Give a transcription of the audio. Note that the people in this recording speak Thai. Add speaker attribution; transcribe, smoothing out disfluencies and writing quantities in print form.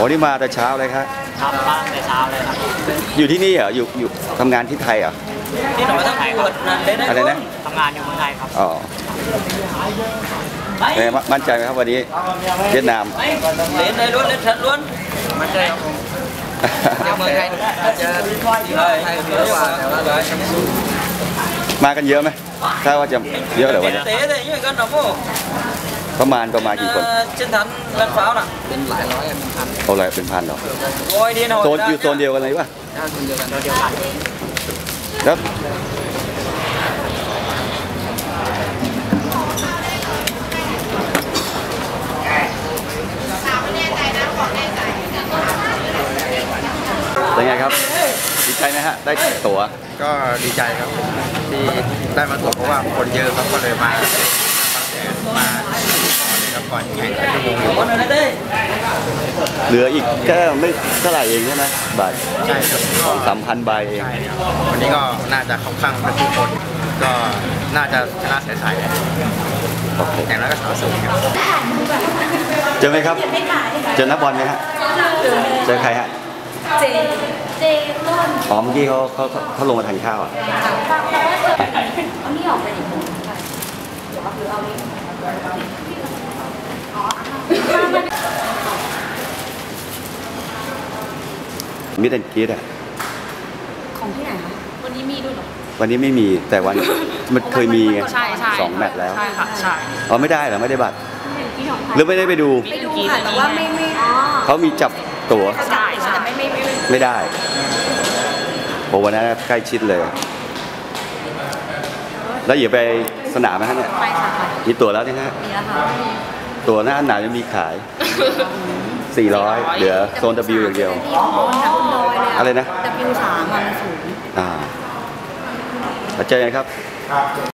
Speaker 1: อ้นี่มาแต่เช้าเลยครับ
Speaker 2: ครับมาแต่เช้าเลยครับ
Speaker 1: อยู่ที่นี่เหรออยู่ทำงานที่ไทยเหรอ
Speaker 2: ที่หนูมาไทยครับ
Speaker 1: อะไรนะ
Speaker 2: ทำงานอยู่เมืองไทยครับ
Speaker 1: อ๋อมั่นใจไหมครับวันนี้เวียดนาม
Speaker 2: เล่นได้ล้วนเล่นชัดล้วนมั่นใจครับผมเมืองไทยอาจจะไทยเยอะกว่าแต่ว่า
Speaker 1: มากันเยอะไหมถ้าว่าจะเยอะหรือวันนี้ประมาณกี่คน
Speaker 2: เช่นทันเล่นฟ้าน่ะเป็นหลายร้อยเป็นพัน
Speaker 1: เอาอะไรเป็นพันหรอโซนอยู่โซนเดียวกันเลยป่ะ
Speaker 2: โซนเดียวกัน
Speaker 1: แล้วเป็นไงครับดีใจไหมฮะได้ตั๋ว
Speaker 3: ก็ดีใจครับที่ได้มาตั๋วเพราะว่าคนเยอะครับก็เลยมาครับก่อนแข่งขันชั่วโมง
Speaker 1: เหลืออีกแค่ไม่เท่าไหร่เองใช่ไหมบัตร
Speaker 3: ใช่ครับ
Speaker 1: 2,000 ใบเอง
Speaker 3: วันนี้ก็น่าจะเข้าข้างกันทุกคนก็น่าจะชนะใสๆอย่างนั้นก็สูงครับ
Speaker 1: เจอไหมครับเจอนักบอลไหมฮะเจอใครฮะ
Speaker 4: เจต้น
Speaker 1: อ๋อเมื่อกี้เขาลงมาทานข้าวอ่ะ
Speaker 4: เอานี่ออกไปดิเดี๋ยวเอานี้
Speaker 1: มิดแอนด์กรีดอ่ะ
Speaker 4: ของที่ไหนคะวันนี้มีด้วยหรอ
Speaker 1: วันนี้ไม่มีแต่มันเคยมีไง2 แมตช์แล้ว
Speaker 2: ใช่ค่ะใช่
Speaker 1: อ๋อไม่ได้เหรอไม่ได้บัตรหรือไม่ได้ไปดู
Speaker 4: ค่ะแต่ว่าไม่
Speaker 1: เขามีจับตั๋ว
Speaker 4: ใช่แต่
Speaker 1: ไม่ได้โอ้วันนั้นใกล้ชิดเลยแล้วอย่าไปสนามนะฮะเนี่ย
Speaker 4: ไปค่ะ
Speaker 1: มีตั๋วแล้วนี่ฮะ
Speaker 4: มีแล้วค่ะ
Speaker 1: ตั๋วหน้าหนาวจะมีขาย400เหลือโซน W อย่างเดียวอะไรนะ
Speaker 4: W3 มันสูง
Speaker 1: เจอกันครับ